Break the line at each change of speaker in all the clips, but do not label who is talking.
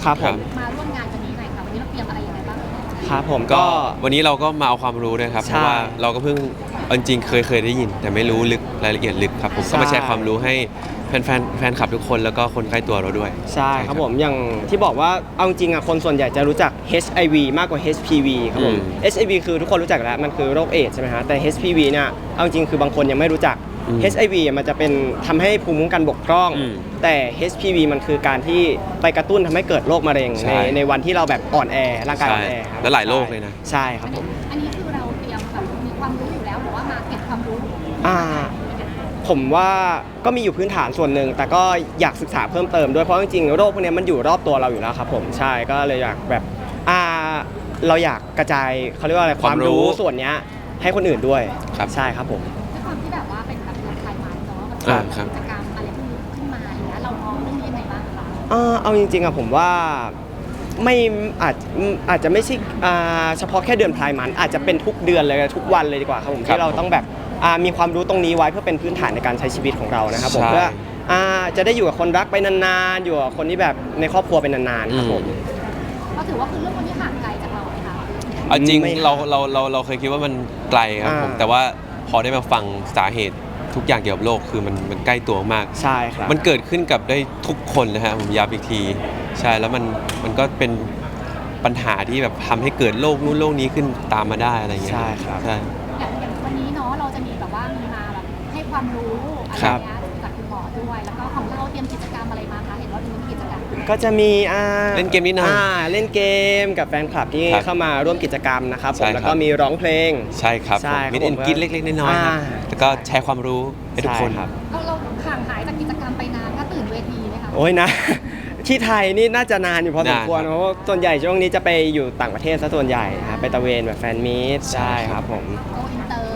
ครับผม
มาร่วมงานวันนี้หน่อยค่ะวันนี้เราเตรียมอะไรยังไงบ้าง
ครับผม
ก็
ก็
วันนี้เราก็มาเอาความรู้ด้วยครับ
ใช่
เพราะว่าเราก็เพิ่งจริงๆเคยได้ยิน แต่ไม่รู้ลึกรายละเอียดลึกครับผมก็มาแชร์ความรู้ให้แฟนคลับทุกคนแล้วก็คนใกล้ตัวเราด้วย
ใช่ครับผมอย่างที่บอกว่าเอาจริงอ่ะคนส่วนใหญ่จะรู้จัก HIV มากกว่า HPV ครับผม HIV คือทุกคนรู้จักแล้วมันคือโรคเอดส์ใช่ไหมฮะแต่ HPV เนี่ยเอาจริงคือบางคนยังไม่รู้จัก HIV มันจะเป็นทำให้ภูมิคุ้มกันบกพร่องแต่ HPV มันคือการที่ไปกระตุ้นทำให้เกิดโรคมะเร็งในวันที่เราแบบอ่อนแอร่างกายอ่อนแอครับ
แล้วหลายโรคเลยนะ
ใช่ครับผม
อันนี้คือเราเตรียมแบบมีความรู้อยู่แล้วหรือว่ามาเก็บความรู้
ผมว่าก็มีอยู่พื้นฐานส่วนหนึ่งแต่ก็อยากศึกษาเพิ่มเติมด้วยเพราะจริงๆโรคพวกนี้มันอยู่รอบตัวเราอยู่แล้วครับผมใช่ก็เลยอยากแบบเราอยากกระจายเขาเรียกว่าอะไรความรู้ส่วนนี้ให้คนอื่นด้วยใช่ครับผม
ด้วยความที่แบบว่าเป็นแบบไทยมันเนาะแบบกิจกรรมอะไรพวกนี้ขึ้นมาอย่างเงี้ยเรามองเรื่องนี้ยังไงบ้างคะ
เอาจริงๆอะผมว่าไม่อาจจะไม่ใช่เฉพาะแค่เดือนพายมันอาจจะเป็นทุกเดือนเลยทุกวันเลยดีกว่าครับผมที่เราต้องแบบมีความรู้ตรงนี้ไว้เพื่อเป็นพื้นฐานในการใช้ชีวิตของเรานะครับผมเพื่อจะได้อยู่กับคนรักไปนานๆอยู่กับคนที่แบบในครอบครัวไปนานๆครับผม
ก็ถือว่าคือเรื่องคนที่ห่างไกลจากเราไหมคะ
จริงเราเคยคิดว่ามันไกลครับผมแต่ว่าพอได้มาฟังสาเหตุทุกอย่างเกี่ยวกับโลกคือมันใกล้ตัวมาก
ใช่ครับ
มันเกิดขึ้นกับได้ทุกคนนะฮะผมย้ำอีกทีใช่แล้วมันก็เป็นปัญหาที่แบบทำให้เกิดโรคนู้นโรคนี้ขึ้นตามมาได้อะไรอย่างเงี้ย
ใช่ครับ
ใช่
อย่างวันนี้เนาะเราจะมีแบบว่ามีมาแบบให้ความรู้อะไรเงี้ยจากคุณหมอด้วยแล้วก็ของเราเตรียมกิจกรรมอะไรมาคะเห็นว่ามีกิจกรรม
ก็จะมี
เล่นเกมนิดหน่อย
เล่นเกมกับแฟนคลับที่เข้ามาร่วมกิจกรรมนะครับผมแล้วก็มีร้องเพลง
ใช่ครับมีเอ็นกินเล็กๆน้อยๆครับแล้วก็แชร์ความรู้ให้ทุกคน
ครับ
เราห่างหายจากกิจกรรมไปนานก็ตื่นเวทีไหมคะ
โอ้ยนะที่ไทยนี่น่าจะนานอยู่พอสมควรเพราะว่าส่วนใหญ่ช่วงนี้จะไปอยู่ต่างประเทศซะส่วนใหญ่ครับไปตะเวนแบบแฟนมีตใช่ครับผม
โกอินเตอร์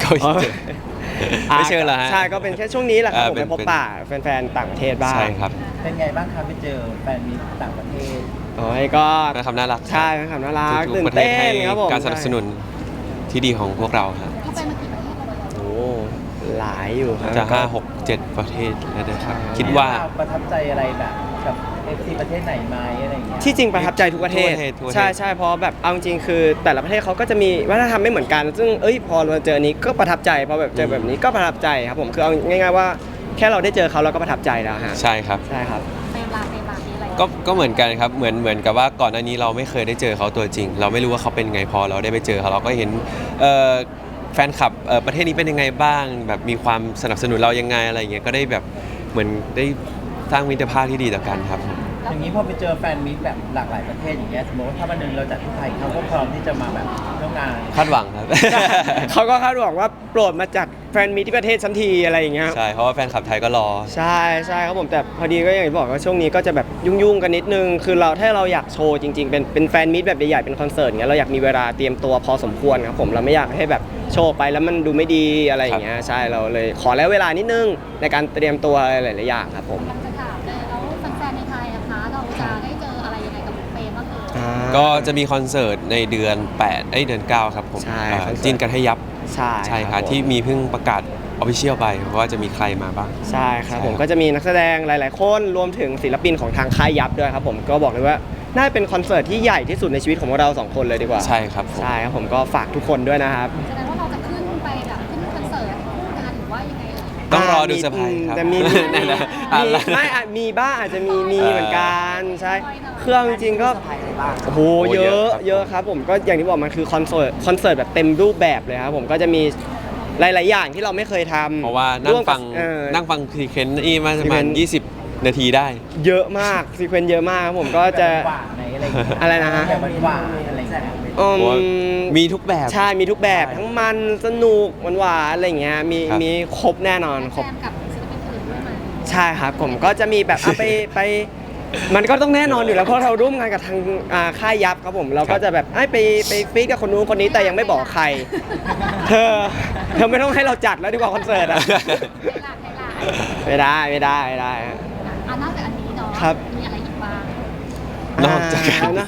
ไม่เชิญเหรอฮะ
ใช่ก็เป็นแค่ช่วงนี้แหละครับผมไปพบปะแฟนๆต่างประเทศบ้าง
ใช่ครับ
เป็นไงบ้างครับไปเจอแฟนมีต่างประเทศ
โอ้ยก็
เป็นคำน่ารัก
ใช่เป็นคำน่ารัก
ตื่นเต้นครับผมการสนับสนุนที่ดีของพวกเราครับ
เขาไปมากี่ประเทศแล้ว
โอ้หลายอยู่ครับ
จะ5 6 7ประเทศแล้วนะครับคิดว่า
ประทับใจอะไรแบบกับ FC ประเทศไหนไหมอะไรอย่างเงี้ย
ที่จริงประทับใจทุกประเทศใช่เพราะแบบเอาจริงคือแต่ละประเทศเขาก็จะมีวัฒนธรรมไม่เหมือนกันซึ่งพอเราเจอนี้ก็ประทับใจพอแบบเจอแบบนี้ก็ประทับใจครับผมคือเอาง่ายๆว่าแค่เราได้เจอเขาเราก็ประทับใจแล้วฮะ
ใช่ครับ
ใช่ครับ
เวลานี้อะไร
ก็เหมือนกันครับเหมือนกับว่าก่อนหน้านี้เราไม่เคยได้เจอเขาตัวจริงเราไม่รู้ว่าเขาเป็นไงพอเราได้ไปเจอเขาเราก็เห็นแฟนคลับประเทศนี้เป็นยังไงบ้างแบบมีความสนับสนุนเรายังไงอะไรอย่างเงี้ยก็ได้แบบเหมือนได้สร้างมิตรภาพที่ดีต่อกันครับ
อย่างนี้พอไปเจอแฟนมิตรแบบหลากหลายประเทศอย่างเงี้ยสมมติว่าถ้าวันหนึ่งเราจัดที่ไทยเขาก็พร้อมที่จะมาแบบร่วมงาน
คาดหวังครับ
เขาก็คาดหวังว่าโปรดมาจัดแฟนมิตรที่ประเทศชั้นทีอะไรอย่างเงี้ย
ใช่เพราะว่าแฟนคลับไทยก็รอ
ใช่ครับผมแต่พอดีก็อย่างที่บอกว่าช่วงนี้ก็จะแบบยุ่งกันนิดนึงคือถ้าเราอยากโชว์จริงๆเป็นแฟนมิตรแบบใหญ่ๆเป็นคอนเสิร์ตเงี้ยเราอยากมีเวลาเตรียมตัวพอสมควรครับผมเราไม่อยากให้แบบโชว์ไปแล้วมันดูไม่ดีอะไรอย่างเงี้ยใช่เราเลยขอแล้วเวลานิดนึงในการเตรียมตัวหลายๆอย่างครับผม
จะถามเลยแล้วแฟนในไทยนะคะเราจะได้เจออะไรยังไงกับเฟรมบ้าง
ก็จะมีคอนเสิร์ตในเดือนเดือน9ครับผมจีนกันให้ยับใช่ครับที่มีเพิ่งประกาศออฟฟิเชียลไปว่าจะมีใครมาบ้าง
ใช่ครับผมก็จะมีนักแสดงหลายๆคนรวมถึงศิลปินของทางค่ายยับด้วยครับผมก็บอกเลยว่าน่าเป็นคอนเสิร์ตที่ใหญ่ที่สุดในชีวิตของเรา2คนเลยดีกว่า
ใช่ครับ
ผมก็ฝากทุกคนด้วยนะครับ
แสดงว่าเราจะขึ้นไปแบบขึ้นคอนเสิร์ตคู่กันหรือว่ายังไง
ต้องรอดูเซอร์ไพรส์ครับ
แต่มีไม่มีบ้างอาจจะมีเหมือนกันใช่เครื่องจริงก็โอ้โหเยอะครับผมก็อย่างที่บอกมันคือคอนเสิร์ตแบบเต็มรูปแบบเลยครับผมก็จะมีหลายๆอย่างที่เราไม่เคยทำ
เพราะว่านั่งฟังซีเควนต์นี่มาประมาณ20 นาทีได้
เยอะมากซีเควนต์เยอะมากครับผมก็จะอะไรนะฮะ
หวานอะไรอย่างเ
งี้ย
มีทุกแบบ
ใช่มีทุกแบบทั้งมันสนุกหวานอะไรอย่างเงี้ยมีครบแน่นอนครบ
กับศิลปินอื่นด้วยไหม
ใช่ครับผมก็จะมีแบบไปมันก็ต้องแน่นอนอยู่แล้วเพราะเราร่วมงานกับทางค่ายยับครับผมเราก็จะแบบไปฟีดกับคนนู้นคนนี้แต่ยังไม่บอกใครเธอไม่ต้องให้เราจัดแล้วดีกว่าคอนเสิร์ตอะไม่ได้
นอกจากอันนี้เนาะมีอะไรอีกบ้าง
นอกจาก
นะ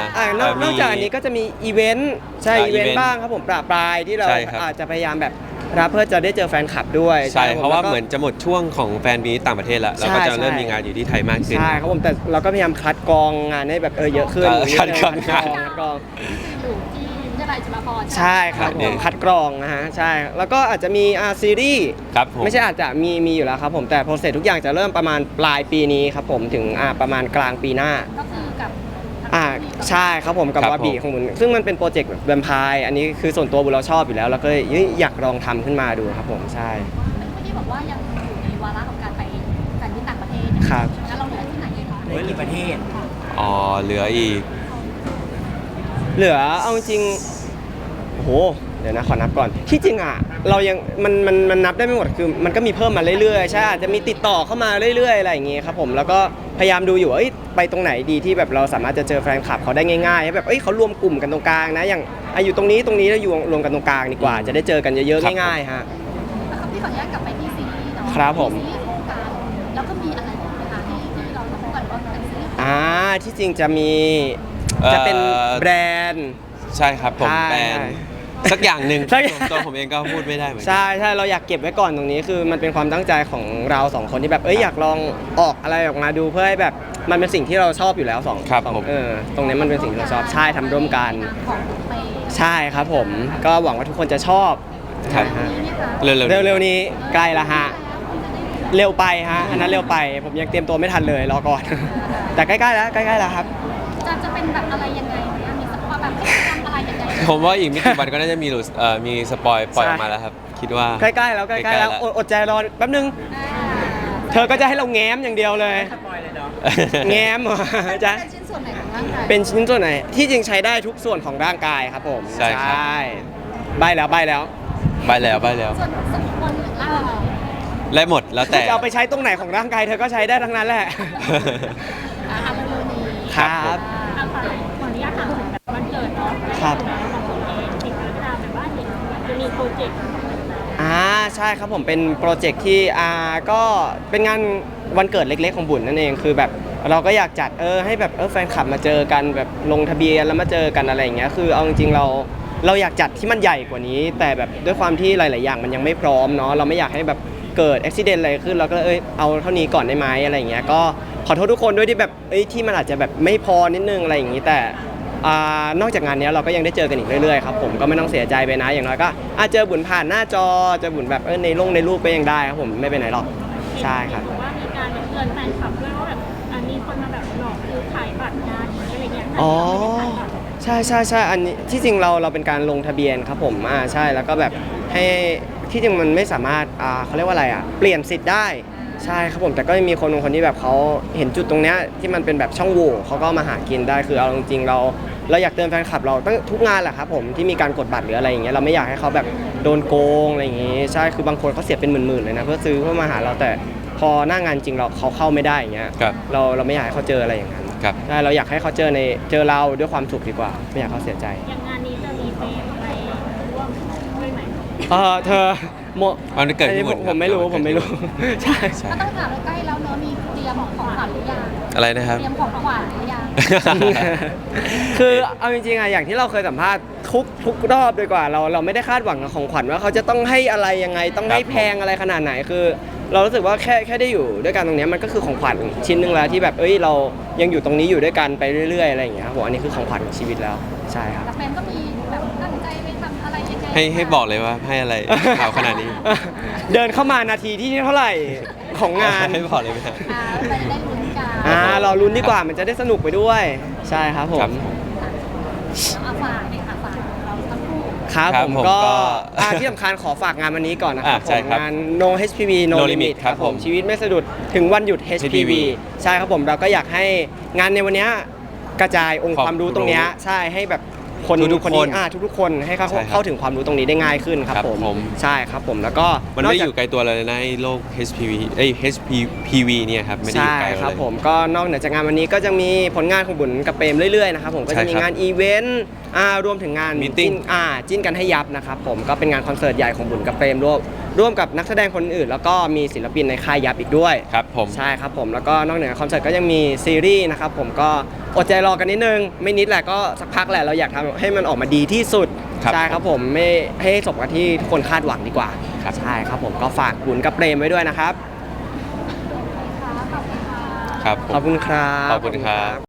นอกจากอันนี้ก็จะมีอีเวนต์ใช่อีเวนต์บ้างครับผมปลายที่เราอาจจะพยายามแบบรับเพื่อจะได้เจอแฟนคลับด้วย
ใช่เพราะว่า
แล้วก็
เหมือนจะหมดช่วงของแฟนมีตต่างประเทศแล้วเราก็จะ
ใช่
เริ่มมีงานอยู่ที่ไทยมากขึ้น
ใช่ครับผมแต่เราก็พยายามคัดกรองงานให้แบบเยอะขึ้น
คัดกรอง
คัดกรอง
อยู่ที่วิทยาลัยจุฬาภรณ์
ใช่ครับ
เดี๋
ผ
ยว
มคัดกรองนะฮะใช่แล้วก็อาจจะมีซีรีส์
ครับผม
ไม่ใช่อาจจะมีอยู่แล้วครับผมแต่โปรเซสทุกอย่างจะเริ่มประมาณปลายปีนี้ครับผมถึงประมาณกลางปีหน้า
ก็คือกับ
ใช่ครับผมกับ
ครับ
วาบี
ผม
ของบุญซึ่งมันเป็นโปรเจกต์แบบแวมไพร์อันนี้คือส่วนตัวบุญเราชอบอยู่แล้วแล้วก็เลยอยากลองทำขึ้นมาดูครับผมใช่
เมื่อกี้บอกว่ายังอยู่ในวาระของการไปแฟนที่ต่างประเทศเนี่ย
ครับ
แล้วเราเหลือที่ไหนอีกคะ
เหลือกี่ประเทศ
อ๋อเหลืออีก
เหลือเอาจริงโอ้โหเดี๋ยวนะขอนับก่อนที่จริงเรายังมันนับได้ไม่หมดคือมันก็มีเพิ่มมาเรื่อยๆใช่อาจจะมีติดต่อเข้ามาเรื่อยๆอะไรอย่างเงี้ยครับผมแล้วก็พยายามดูอยู่ว่าไปตรงไหนดีที่แบบเราสามารถจะเจอแฟนคลับเขาได้ง่ายๆให้แบบเขารวมกลุ่มกันตรงกลางนะอย่างอยู่ตรงนี้แล้วอยู่รวมกันตรงกลางดีกว่า จะได้เจอกันเยอะ
ครับ
ๆง่ายๆฮะ
แล้วก็พี่ขออนุญาตกลับไปที่ซีรีส์เนาะ
ครับผม
ซีรีส์คู่กันแล้วก็มีอะไรอีกไหมคะที่เราจะคู่กันว่าเป็นซีรีส์
ที่จริงจะมีจะเป็นแบรนด์
ใช่ครับผม
ใช่
แบรนด์สักอย่างหนึ่ง
สักอย่าง
ตัวผมเองก็พูดไม่ได้เหมือนกัน
ใช่เราอยากเก็บไว้ก่อนตรงนี้คือมันเป็นความตั้งใจของเราสองคนที่แบบอยากลองออกอะไรออกมาดูเพื่อให้แบบมันเป็นสิ่งที่เราชอบอยู่แล้วสอง
ครับ
สอง
ผม
ตรงนี้มันเป็นสิ่งที่เราชอบใช่ทำร่วมกัน
ของเปย์
ใช่ครับผมก็หวังว่าทุกคนจะชอบ
ครับ
ฮะ
นี่นะคะ
เร็วๆ
เร็วๆนี้ใกล้ละฮะเร็วไปฮะอันนั้นเร็วไปผมยังเตรียมตัวไม่ทันเลยรอก่อน แต่ใกล้ๆแล้วครับ
จะเป็นแบบอะไรยังไงเนี่ยมีสปอยแบบทำอะไรยังไง
ผมว่าอีกไม่กี่วันก็น่าจะมีหลุดมีสปอยปล่อยออกมาแล้วครับ คิดว่า
ใกล้ๆแล้วอดใจรอแป๊บนึง เธอก็จะให้เราแง้มอย่างเดียวเลย
สปอยเลยเนาะ
แง้มเหรอ
จะ
จ๊ะ
เป็นชิ้นส่วนไหนของร่างกาย
เป็นชิ้นส่วนไหนที่จริงใช้ได้ทุกส่วนของร่างกายครับผม
ใช่ครับ
ใบแล้ว
ไปแล้ว
ส่วนสมควรหรือล่า
ไล่หมดแล้วแต่
จะเอาไปใช้ตรงไหนของร่างกายเธอก็ใช้ได้ทั้งนั้นแหละ
อาหารเร็วๆนี้
ครับ
อาฝากขออนุญาตถามถึงแบบวันเกิดเนาะ
ครับ
ของผมเองติดตามแบบว่าเห็นจะมีโปรเจกต์
ใช่ครับผมเป็นโปรเจกต์ที่ก็เป็นงานวันเกิดเล็กๆของบุญนั่นเองคือแบบเราก็อยากจัดให้แบบแฟนคลับมาเจอกันแบบลงทะเบียนแล้วมาเจอกันอะไรอย่างเงี้ยคือเอาจริงๆเราอยากจัดที่มันใหญ่กว่านี้ แต่แบบด้วยความที่หลายๆอย่างมันยังไม่พร้อมเนาะเราไม่อยากให้แบบเกิดอุบิเหตุอะไรขึ้นเราก็เอาเท่านี้ก่อนได้ไหมอะไรอย่างเงี้ยก็ขอโทษทุกคนด้วยที่แบบที่มันอาจจะแบบไม่พอนิดนึงอะไรอย่างงี้แต่นอกจากงานนี้เราก็ยังได้เจอกันอีกเรื่อยๆครับผมก็ไม่ต้องเสียใจไปนะอย่างน้อยก็เจอบุญผ่านหน้าจอเจอบุญแบบในรูปก็ยังได้ครับผมไม่ไปไหนหรอกใช่ครับ
ว่ามีการแบบเตือนแฟนคลับด้วยว่าแบบมีคนมาแบบหลอกซื้อขายบัตรงานอะไรเงี้ย
อ๋อใช่อันนี้ที่จริงเราเป็นการลงทะเบียนครับผมใช่แล้วก็แบบให้ที่จริงมันไม่สามารถเขาเรียกว่าอะไรเปลี่ยนสิทธิ์ได้ใช่ครับผมแต่ก็มีคนบางคนที่แบบเขาเห็นจุดตรงเนี้ยที่มันเป็นแบบช่องโหว่เขาก็มาหากินได้คือเอาจริงๆเราอยากเตือนแฟนคลับเราตั้งทุกงานแหละครับผมที่มีการกดบัตรหรืออะไรอย่างเงี้ยเราไม่อยากให้เขาแบบโดนโกงอะไรอย่างงี้ใช่คือบางคนเขาเสียเป็นหมื่นๆเลยนะเพื่อซื้อเพื่อมาหาเราแต่พอหน้างานจริงเขาเข้าไม่ได้อย่างเงี้ย
ครับ
เราไม่อยากให้เขาเจออะไรอย่างนั้น
ครับ
ใช่เราอยากให้เขาเจอเราด้วยความสุขดีกว่า ไม่อยากให้เขาเสียใจ
อย่างงานนี้จะมีเฟรมไปร่วมด้วยไหม
เธอโม
วันเกิดพี่
อันนี้
บุญ
ผมไม่รู้
ครับ
ผมไม่รู้ ใช่
ใช่
ก็ต้องถามใกล้แล้วเนอะมีเตรียมของขวัญหรือยัง
อะไรนะครับ
เตรียมของขวัญหรือยัง
คือเอาจริงๆอย่างที่เราเคยสัมภาษณ์ทุกรอบดีกว่าเราไม่ได้คาดหวังกับของขวัญว่าเขาจะต้องให้อะไรยังไงต้องให้
ครับผม
แพงอะไรขนาดไหนคือ เรารู้สึกว่าแค่ได้อยู่ด้วยกันตรงเนี้ยมันก็คือของขวัญชิ้นหนึ่งแล้วที่แบบเรายังอยู่ตรงนี้อยู่ด้วยกันไปเรื่อยๆอะไรอย่างเงี้ยครับผมอันนี้คือของขวัญของชีวิตแล้วใช่ครับ
แต่แฟนก็มีแบบตั้งใจไปทำอะไรยังไง
ให้บอกเลยว่าให้อะไรข่าวขนาดนี้
เดินเข้ามานาทีที่เท่าไหร่ของงาน
ให้บอกเลยไหมครับ
ไปได้ลุ้นกัน
เราลุ้นดีกว่ามันจะได้สนุกไปด้วย ใช่ครับผม
ครับ
เอาฝากเลยค่ะฝากเราทั้งคู่
ครับ
ครับ
ผม
ผม
ก็
ก็
ที่สำคัญขอฝากงานวันนี้ก่อนนะครับ
ใช่
ผม
ครับ
งาน No HPV No
No
Limit
Limit
ครับผม
ผม
ชีวิตไม่สะดุดถึงวันหยุด HPV ใช่ครับผมเราก็อยากให้งานในวันเนี้ยกระจายองค์ความรู้ตรงเนี้ยใช่ให้แบบคน
ทุกๆ
คนนี้
คน
ทุกๆคนให้เขา
ใช่ครับ
เข้าถึงความรู้ตรงนี้ได้ง่ายขึ้นครับ
ครับ
ผม
ผม
ใช่ครับผมแล้วก็
มันไม่ได้
ก
อ
จาก
ยู่ไกลตัวเราเลยนะไอ้โรค HPV เนี่ยครับไม่ได้อยู่
ใช่
ไกล
ค
เรา
รับ
เลย
ผมก็นอกเหนือจากงานวันนี้ก็จะมีผลงานของบุญกับเปรมเรื่อยๆนะครับผมก็จะมี
ใช่ครับ
งานอีเวนต์รวมถึงงาน
Meeting
จิ้นกันให้ยับนะครับผมก็เป็นงานคอนเสิร์ตใหญ่ของบุญกับเปรมร่วมกับนักแสดงคนอื่นแล้วก็มีศิลปินในค่ายยับอีกด้วย
ครับผม
ใช่ครับผมแล้วก็นอกเหนือคอนเสิร์ตก็ยังมีซีรีส์นะครับผมก็อดใจรอกันนิดนึงไม่นิดแหละก็สักพักแหละเราอยากทำให้มันออกมาดีที่สุด
ครับ
ใช่ครับผมไม่ให้สมกับที่ทุกคนคาดหวังดีกว่า
ครับ
ใช่ครับผมก็ฝากบุญกับเปรมไว้ด้วยนะครับ
ครับผม
ขอบคุณครับ
ขอบคุณครับ